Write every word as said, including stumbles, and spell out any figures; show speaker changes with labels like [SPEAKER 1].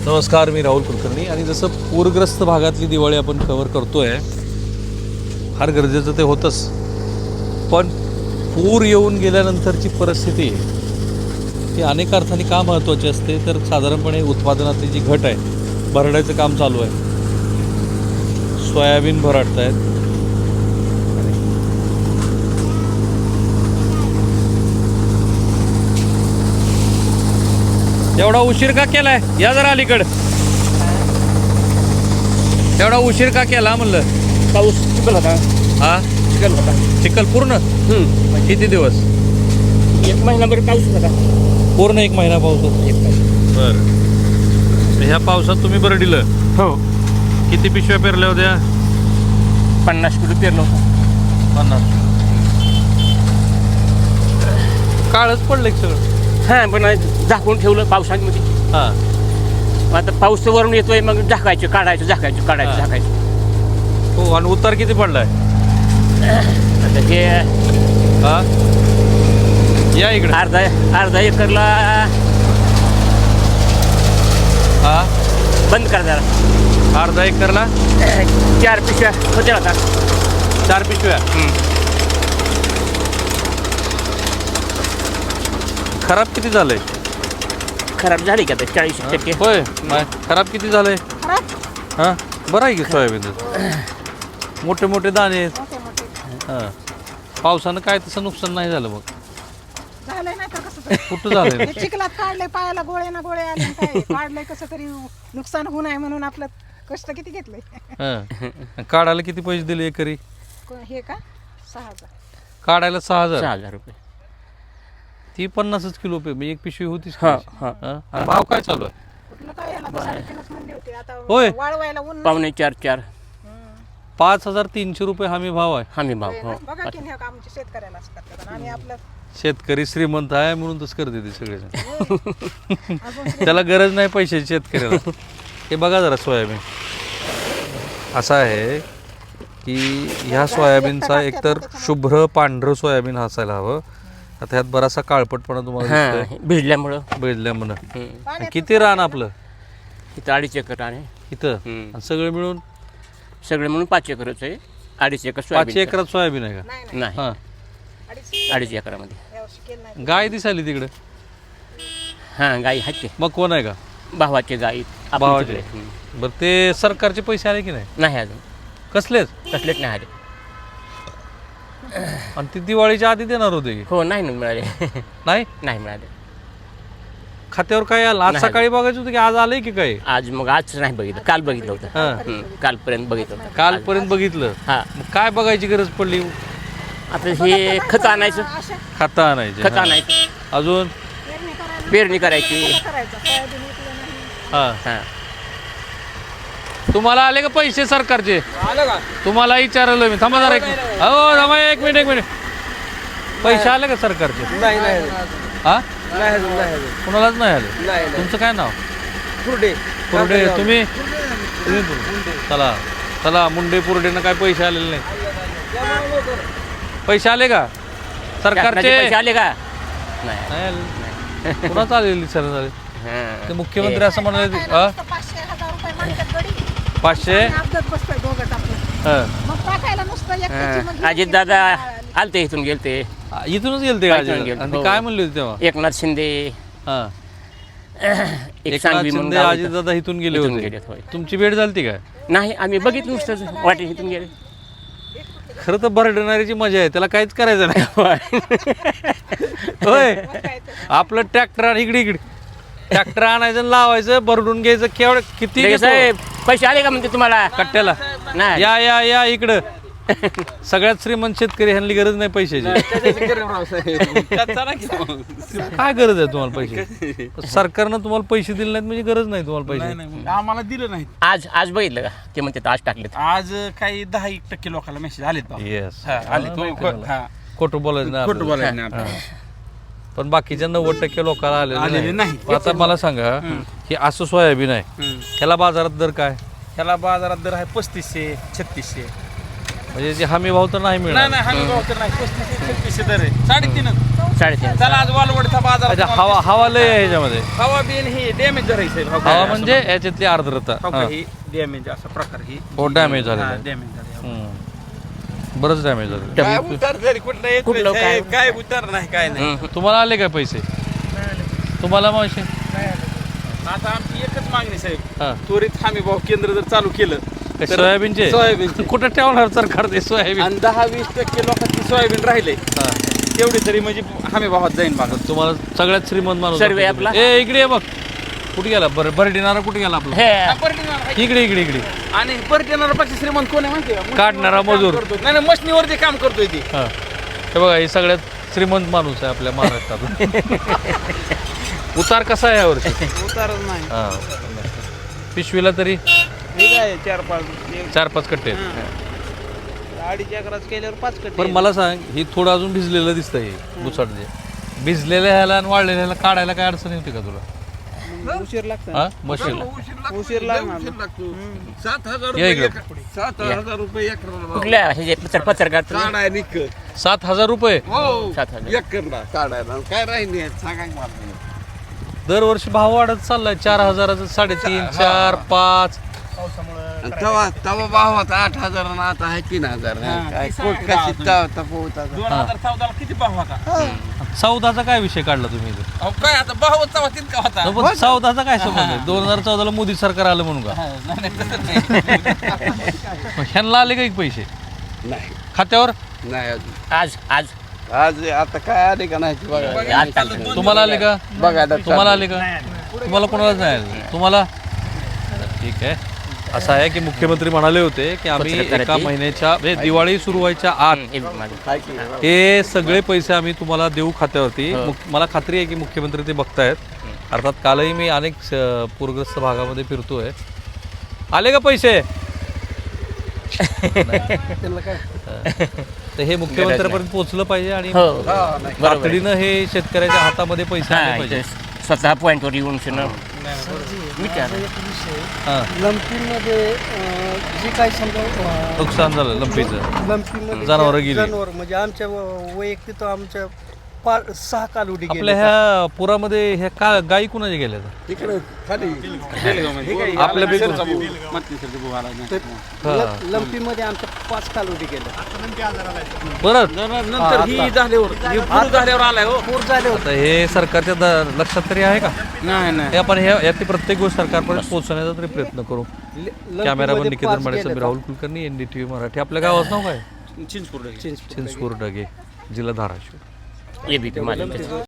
[SPEAKER 1] नमस्कार, मी राहुल कुलकर्णी. आणि जसं पूरग्रस्त भागातली दिवाळी आपण कव्हर करतोय, फार गरजेचं ते होतंच, पण पूर येऊन गेल्यानंतरची परिस्थिती ही अनेक अर्थाने का महत्त्वाची असते. तर साधारणपणे उत्पादनातली जी घट आहे, भरडायचं काम चालू आहे, सोयाबीन भराटत आहेत. एवढा उशीर का केलाय? या जरा अलीकडं. एवढा उशीर का केला म्हणलं?
[SPEAKER 2] पाऊस चिखल होता.
[SPEAKER 1] हा,
[SPEAKER 2] चिखल होता.
[SPEAKER 1] चिखल पूर्ण किती दिवस?
[SPEAKER 2] एक महिनाभर पाऊस होता.
[SPEAKER 1] पूर्ण एक महिना पाऊस होता.
[SPEAKER 2] एक महिना.
[SPEAKER 1] बरं, ह्या पावसात तुम्ही बरडीलं
[SPEAKER 2] हो,
[SPEAKER 1] किती पिशव्या पेरल्या होत्या?
[SPEAKER 2] पन्नास किलो पेरलं होतं.
[SPEAKER 1] पन्नास. काळच पडलं एक सगळं.
[SPEAKER 2] हां, पण झाकून ठेवलं पावसामध्ये.
[SPEAKER 1] हां.
[SPEAKER 2] आता पाऊस वरून येतोय, मग झाकायचं, काढायचं, झाकायचं, काढायचं,
[SPEAKER 1] हां.
[SPEAKER 2] झाकायचं.
[SPEAKER 1] हो, आणि उतार किती पडलाय?
[SPEAKER 2] आता हे
[SPEAKER 1] हा, या इकडे.
[SPEAKER 2] अर्धा अर्धा एकरला
[SPEAKER 1] हा,
[SPEAKER 2] बंद करा जरा.
[SPEAKER 1] अर्धा एकरला
[SPEAKER 2] चार पिशव्या होत्या आता.
[SPEAKER 1] चार पिशव्या. खराब किती झालंय?
[SPEAKER 2] खराब झाली का आता चाळीस टक्के.
[SPEAKER 1] होय, नाही, खराब किती झालंय? हां, बरं आहे की सोयाबीन मोठे मोठे दाणे आहेत. हां, पावसानं काय तसं नुकसान नाही झालं. मग
[SPEAKER 3] झालंय नाही तर कसं
[SPEAKER 1] कुठं झालंय?
[SPEAKER 3] ते चिखलात काढले, पायाला गोळे ना गोळे आले आणि काय काढलंय कसं तरी नुकसान होऊ नये म्हणून आपलं कष्ट किती घेतलंय.
[SPEAKER 1] हां, काढायला किती पैसे दिले एकरी?
[SPEAKER 3] को- हे का सहा हजार.
[SPEAKER 1] काढायला सहा
[SPEAKER 2] सहा
[SPEAKER 1] हजार.
[SPEAKER 2] हजार रुपये.
[SPEAKER 1] ती पन्नासच किलो पे म्हणजे एक पिशवी होतीच.
[SPEAKER 2] हां, हां.
[SPEAKER 1] हां, आणि भाव काय चालू आहे?
[SPEAKER 3] कुठलं काय याला तर साडेतीनच म्हणले होते. आता
[SPEAKER 1] होय.
[SPEAKER 3] वाळवायला ऊन नाही.
[SPEAKER 2] पावणे चार चार
[SPEAKER 1] पाच हजार तीनशे रुपये हमी भाव आहे.
[SPEAKER 2] हमी भाव. हो.
[SPEAKER 3] बघा की हे आमच्या शेतकऱ्याला असं करतात आणि आम्ही आपलं
[SPEAKER 1] शेतकरी श्रीमंत आहे म्हणून तसं करते ते सगळे.
[SPEAKER 3] अजून
[SPEAKER 1] त्याला गरज नाही पैशाची शेतकऱ्याला. हे बघा जरा सोयाबीन असं आहे की ह्या सोयाबीनचा एकतर शुभ्र पांढरं सोयाबीन असायला हवं. आता ह्यात बराचसा काळपटपणा तुम्हाला
[SPEAKER 2] हां,
[SPEAKER 1] दिसतोय
[SPEAKER 2] भिजल्यामुळं.
[SPEAKER 1] बेदल्या म्हणून.
[SPEAKER 2] हम्म.
[SPEAKER 1] किती रान आपलं
[SPEAKER 2] इथं अडीच एकर आहे.
[SPEAKER 1] इथं?
[SPEAKER 2] हम्म.
[SPEAKER 1] आणि सगळं मिळून
[SPEAKER 2] सगळे म्हणून पाच एकरच आहे. अडीच एकर
[SPEAKER 1] पाचशे
[SPEAKER 2] सोयाबीन.
[SPEAKER 1] एकरात सोयाबीन आहे का?
[SPEAKER 3] नाही नाही
[SPEAKER 2] नाही,
[SPEAKER 1] हां,
[SPEAKER 3] अडीच
[SPEAKER 2] अडीच एकरामध्ये.
[SPEAKER 3] यावर्षी केलं नाही.
[SPEAKER 1] गाय दिसायली तिकडे.
[SPEAKER 2] हां, गाई आहेत ते.
[SPEAKER 1] मग कोण आहे का?
[SPEAKER 2] भावाचे गाई आपल्या
[SPEAKER 1] भावाचे?
[SPEAKER 2] तिकडे. हम्म.
[SPEAKER 1] बरं, ते सरकारचे पैसे आले की नाही?
[SPEAKER 2] नाही अजून
[SPEAKER 1] कसलेच?
[SPEAKER 2] कसलेच नाही आले.
[SPEAKER 1] आणि ती दिवाळीच्या आधी देणार होते की
[SPEAKER 2] हो, नाही ना मिळाले.
[SPEAKER 1] नाही?
[SPEAKER 2] नाही मिळाले.
[SPEAKER 1] खात्यावर काय आलं? आज
[SPEAKER 2] नाही.
[SPEAKER 1] सकाळी बघायचं होतं की आज आलंय की काय?
[SPEAKER 2] आज मग आज नाही बघितलं, काल बघितलं होतं.
[SPEAKER 1] हां,
[SPEAKER 2] हम्म, कालपर्यंत बघितलं होतं.
[SPEAKER 1] कालपर्यंत बघितलं.
[SPEAKER 2] हां,
[SPEAKER 1] मग काय बघायची गरज पडली?
[SPEAKER 2] आता हे खत आणायचं,
[SPEAKER 3] अशा
[SPEAKER 1] खाता आणायचे.
[SPEAKER 2] खत
[SPEAKER 1] हां.
[SPEAKER 2] आणायचं,
[SPEAKER 1] अजून
[SPEAKER 3] पेरणी करायला
[SPEAKER 2] पेरणी करायची.
[SPEAKER 3] कसं करायचं. सोयाबीन विकलं नाही.
[SPEAKER 1] हां,
[SPEAKER 2] हां,
[SPEAKER 1] तुम्हाला आले का पैसे सरकारचे? तुम्हाला विचारलं मी. थांबा जरा एक मिनिट. हो, थांबा एक मिनिट एक मिनिट. पैसे आले का सरकारचे?
[SPEAKER 4] नाही नाही
[SPEAKER 1] हा,
[SPEAKER 4] नाही अजून नाही अजून
[SPEAKER 1] कुणालाच नाही आले.
[SPEAKER 4] नाही नाही
[SPEAKER 1] तुमचं काय नाव?
[SPEAKER 4] पुरडे
[SPEAKER 1] पुरडे. तुम्ही तुम्ही चला चला मुंडे पुरडेनं काय पैसे आलेले नाही. पैसे आले का
[SPEAKER 2] शासनाचे
[SPEAKER 1] सरकारचे?
[SPEAKER 2] पैसे आले का? नाही.
[SPEAKER 1] नाही आले. कुणाच आलेली सर झाले?
[SPEAKER 2] हां.
[SPEAKER 1] ते मुख्यमंत्री असं म्हणाले.
[SPEAKER 3] खायला
[SPEAKER 1] हा,
[SPEAKER 3] नुसतं पाचशे हजार रुपये मागतात गडी.
[SPEAKER 1] पाचशे.
[SPEAKER 3] आणि अपघात बसतोय दोघं टाकून.
[SPEAKER 1] हां,
[SPEAKER 3] मग टाकायला नुसतं एकट्याची
[SPEAKER 2] हां.
[SPEAKER 3] मग
[SPEAKER 2] अजित दादा आलते, इथून गेलते.
[SPEAKER 1] इथूनच गेलते का?
[SPEAKER 2] इथून गेलते.
[SPEAKER 1] आणि ते
[SPEAKER 2] हो.
[SPEAKER 1] काय म्हणले होते तेव्हा?
[SPEAKER 2] एकनाथ शिंदे,
[SPEAKER 1] हां,
[SPEAKER 2] एक
[SPEAKER 1] एकनाथ
[SPEAKER 2] सांगवी म्हणून
[SPEAKER 1] शिंदे
[SPEAKER 2] गाव
[SPEAKER 1] अजित
[SPEAKER 2] होतं.
[SPEAKER 1] दादा इथून गेले
[SPEAKER 2] इथून
[SPEAKER 1] होते.
[SPEAKER 2] गेलेत, होय.
[SPEAKER 1] तुमची भेट झाली काय?
[SPEAKER 2] नाही, आम्ही बघितलं नुसतं वाटे इथून गेले.
[SPEAKER 1] खरं तर भरडणारीची मजा आहे, त्याला काहीच करायचं नाही. होय, आपलं ट्रॅक्टर इकडे इकडे ट्रॅक्टर आणायचं आणि लावायचं, भरडून घ्यायचं. केवढं किती
[SPEAKER 2] लगेच,
[SPEAKER 1] घेतो?
[SPEAKER 2] साहेब, पैसे आले का म्हणते तुम्हाला?
[SPEAKER 1] कट्ट्याला
[SPEAKER 2] नाही.
[SPEAKER 1] या या या इकडं. सगळ्यात श्रीमंत शेतकरी ह्यांनी गरज नाही पैशाची. काय गरज आहे तुम्हाला पैसे? सरकारनं तुम्हाला पैसे दिले नाहीत म्हणजे गरज नाही तुम्हाला पैसे.
[SPEAKER 4] आम्हाला दिलं नाही.
[SPEAKER 2] आज आज बघितलं का ते म्हणते आज टाकलेत.
[SPEAKER 4] आज काही दहा एक टक्के लोकांना मेसेज आलेत बाबा.
[SPEAKER 1] येस,
[SPEAKER 4] हा, आलेत. हा,
[SPEAKER 1] खोटं बोलायचं नाही
[SPEAKER 4] खोटं
[SPEAKER 1] आपल्याला.
[SPEAKER 4] बोलायचं नाही आपल्याला.
[SPEAKER 1] पण बाकीच्या नव्वद टक्के लोकांना
[SPEAKER 4] आलेले
[SPEAKER 1] आलेले
[SPEAKER 4] नाही.
[SPEAKER 1] नाही. आता मला सांगा की असं सोयाबीन आहे,
[SPEAKER 4] हम्म.
[SPEAKER 1] ह्याला बाजारात दर काय?
[SPEAKER 4] ह्याला बाजारात दर आहे पस्तीसशे छत्तीसशे.
[SPEAKER 1] म्हणजे जे हमी भाव तर नाही
[SPEAKER 4] नाही
[SPEAKER 1] मिळणार.
[SPEAKER 4] नाही हमी भाव तर नाही पस्तीस छत्तीसशे दर आहे साडेतीनच
[SPEAKER 2] साडेतीन
[SPEAKER 4] चला आज वालवडचा बाजार
[SPEAKER 1] अच्छा हवा हवा लय आहे ह्याच्यामध्ये.
[SPEAKER 4] हवा बिन ही डॅमेज धरायचं
[SPEAKER 1] हवा म्हणजे याच्यातली आर्द्रता हा.
[SPEAKER 4] ही डॅमेज असा प्रकार ही
[SPEAKER 1] हो डॅमेज झालेला आहे.
[SPEAKER 4] डॅमेज झाले
[SPEAKER 1] हम्म. बरंच डॅमेज झालं.
[SPEAKER 4] काय उतार झाली कुठलं येत
[SPEAKER 2] कुठलं
[SPEAKER 4] नाही,
[SPEAKER 2] काय?
[SPEAKER 4] साहेब, काय उतार नाही काय नाही
[SPEAKER 1] तुम्हाला आले काय पैसे? तुम्हाला मावशी?
[SPEAKER 4] आता आमची एकच मागणी साहेब
[SPEAKER 1] हा.
[SPEAKER 4] त्वरित हमी भाव केंद्र जर चालू केलं
[SPEAKER 1] काय
[SPEAKER 4] तर-
[SPEAKER 1] सोयाबीनचे?
[SPEAKER 4] सोयाबीनचे
[SPEAKER 1] कुठं ठेवणार सरकार ते सोयाबीन?
[SPEAKER 4] आणि दहा वीस टक्के लोकांची सोयाबीन राहिले
[SPEAKER 1] हा.
[SPEAKER 4] तेवढी तरी म्हणजे हमी भावात जाईन बघा
[SPEAKER 1] तुम्हाला सगळ्यात श्रीमंत माणूस
[SPEAKER 2] सर्वे
[SPEAKER 1] दाखवतो.
[SPEAKER 2] आपला?
[SPEAKER 1] ए इकडे ये बघ. कुठे गेला बरं बरडीनारा कुठे गेला आपला?
[SPEAKER 2] हे
[SPEAKER 4] पर्यटन
[SPEAKER 1] इकडे इकडे इकडे
[SPEAKER 4] आणि पर्यटनाला पक्ष श्रीमंत कोण आहे माहिती आहे का?
[SPEAKER 1] काढणारा
[SPEAKER 4] मशनीवर काम
[SPEAKER 1] मजूर.
[SPEAKER 4] करतो. नाही नाही मशनीवर जे काम करतोय ती
[SPEAKER 1] हा. हे बघा हे सगळ्यात श्रीमंत माणूस आहे आपल्या महाराष्ट्रात. उतार कसा आहे यावर्षी?
[SPEAKER 4] उतारच नाही
[SPEAKER 1] हा. पिशवीला तरी
[SPEAKER 4] हे काय चार पाच एक-
[SPEAKER 1] चार पाच कट्टे आहेत.
[SPEAKER 4] हा. अडीच एकरात केल्यावर पाच कट्टे
[SPEAKER 1] पण मला सांग ही थोडं अजून भिजलेलं दिसतंय दुसाट जे भिजलेल्या ह्याला आणि वाळलेल्या ह्याला काढायला काय अडचण येते का तुला?
[SPEAKER 4] उशीर लागतो
[SPEAKER 1] हा मशीन
[SPEAKER 4] उशीर लागणार सात हजार
[SPEAKER 1] या इकडे.
[SPEAKER 4] सात हजार रुपये एकराला
[SPEAKER 2] कुठल्या ह्याचे पत्र पत्रकार तुम्ही?
[SPEAKER 4] काढाय निक
[SPEAKER 1] सात हजार रुपये
[SPEAKER 4] हो
[SPEAKER 2] सात हजार.
[SPEAKER 4] एकरला काढायला काय राहिले सांगा की मला.
[SPEAKER 1] दरवर्षी भाव वाढत चाललाय. चार हजाराचं साडेतीन चार पाच.
[SPEAKER 5] तवा तवा भाव होता आठ हजार आणि आता आहे तीन हजार
[SPEAKER 4] हा,
[SPEAKER 5] काय
[SPEAKER 4] ती
[SPEAKER 5] कोट
[SPEAKER 4] सांगा
[SPEAKER 5] कशी
[SPEAKER 4] अजून.
[SPEAKER 5] तव तपवता
[SPEAKER 4] दोन हजार चौदाला किती भाव होता
[SPEAKER 1] चौदाचा काय विषय काढला तुम्ही इथे?
[SPEAKER 4] अहो काय आता भाव चौदा तितका होता
[SPEAKER 1] न, पण चौदाचा काय संबंध आहे? दोन हजार चौदाला मोदी सरकार आलं म्हणून का?
[SPEAKER 4] हा, नाही, नाही, तसं नाही.
[SPEAKER 1] मग ह्यांना आले का एक पैसे
[SPEAKER 5] नाही
[SPEAKER 1] खात्यावर?
[SPEAKER 5] नाही अजून
[SPEAKER 2] आज आज
[SPEAKER 5] आज आता काय आले का नाही ते बघा
[SPEAKER 2] आज चालू.
[SPEAKER 1] तुम्हाला आले का?
[SPEAKER 5] बघायला
[SPEAKER 1] तुम्हाला आले का? तुम्हाला कोणालाच नाही आले. तुम्हाला ठीक आहे. असं आहे की मुख्यमंत्री म्हणाले होते की आम्ही
[SPEAKER 2] पत्रकाराची-
[SPEAKER 1] एका महिन्याच्या म्हणजे दिवाळी सुरू व्हायच्या आत
[SPEAKER 2] हे माझं.
[SPEAKER 5] काय की
[SPEAKER 1] हे सगळे पैसे आम्ही तुम्हाला देऊ खात्यावरती. मुख- मला खात्री आहे की मुख्यमंत्री ते बघतायत. अर्थात कालही मी अनेक स- पूरग्रस्त भागामध्ये फिरतोय. आले का पैसे? तर हे मुख्यमंत्र्यापर्यंत पोहोचलं पाहिजे आणि
[SPEAKER 2] हो
[SPEAKER 5] नाही.
[SPEAKER 1] तातडीनं हे शेतकऱ्याच्या हातामध्ये पैसे आले
[SPEAKER 2] हा,
[SPEAKER 1] पाहिजे.
[SPEAKER 2] इथे स्वतः पॉईंटवर येऊन शिनं विचार
[SPEAKER 1] हा.
[SPEAKER 6] लंपीमध्ये अं, जे काही समजा अं,
[SPEAKER 1] नुकसान झालं लंपीचं.
[SPEAKER 6] लंपीमध्ये
[SPEAKER 1] जनावरं
[SPEAKER 6] जे
[SPEAKER 1] गेली.
[SPEAKER 6] जनावर म्हणजे आमच्या व- वैयक्तिक आमच्या पा सहा कालवडी
[SPEAKER 1] आपल्या
[SPEAKER 6] गेल्या.
[SPEAKER 1] ह्या पुरामध्ये ह्या का गायी कुणाच्या गेल्या?
[SPEAKER 5] तिकडे खाली
[SPEAKER 1] आपल्या बेगून.
[SPEAKER 4] मंत्रीसारखे भाऊ आला नाही.
[SPEAKER 1] हा.
[SPEAKER 6] ल- लंपीमध्ये आमच्या पाच कालवडी गेल्या.
[SPEAKER 1] परत
[SPEAKER 4] नंतर ही झाल्यावर ही पूर झाल्यावर आलाय हो
[SPEAKER 6] पूर झाले होते.
[SPEAKER 1] आता हे सरकारच्या द- लक्षात तरी आहे का?
[SPEAKER 4] नाही नाही
[SPEAKER 1] हे आपण हे यातली प्रत्येक गोष्ट सरकारपर्यंत पोहोचवण्याचा तरी प्रयत्न करू.
[SPEAKER 6] ल-
[SPEAKER 1] कॅमेरामन
[SPEAKER 6] लंपीमध्ये
[SPEAKER 1] निकेतन
[SPEAKER 6] पाच
[SPEAKER 1] माडे,
[SPEAKER 6] गेल्या.
[SPEAKER 1] Rahul Kulkarni, N D T V Marathi. आपल्या गावाचं नाव काय?
[SPEAKER 4] चिंचपूर
[SPEAKER 1] चिंचपूर डगे, जिल्हा धाराशिव.
[SPEAKER 2] एबीपी माझं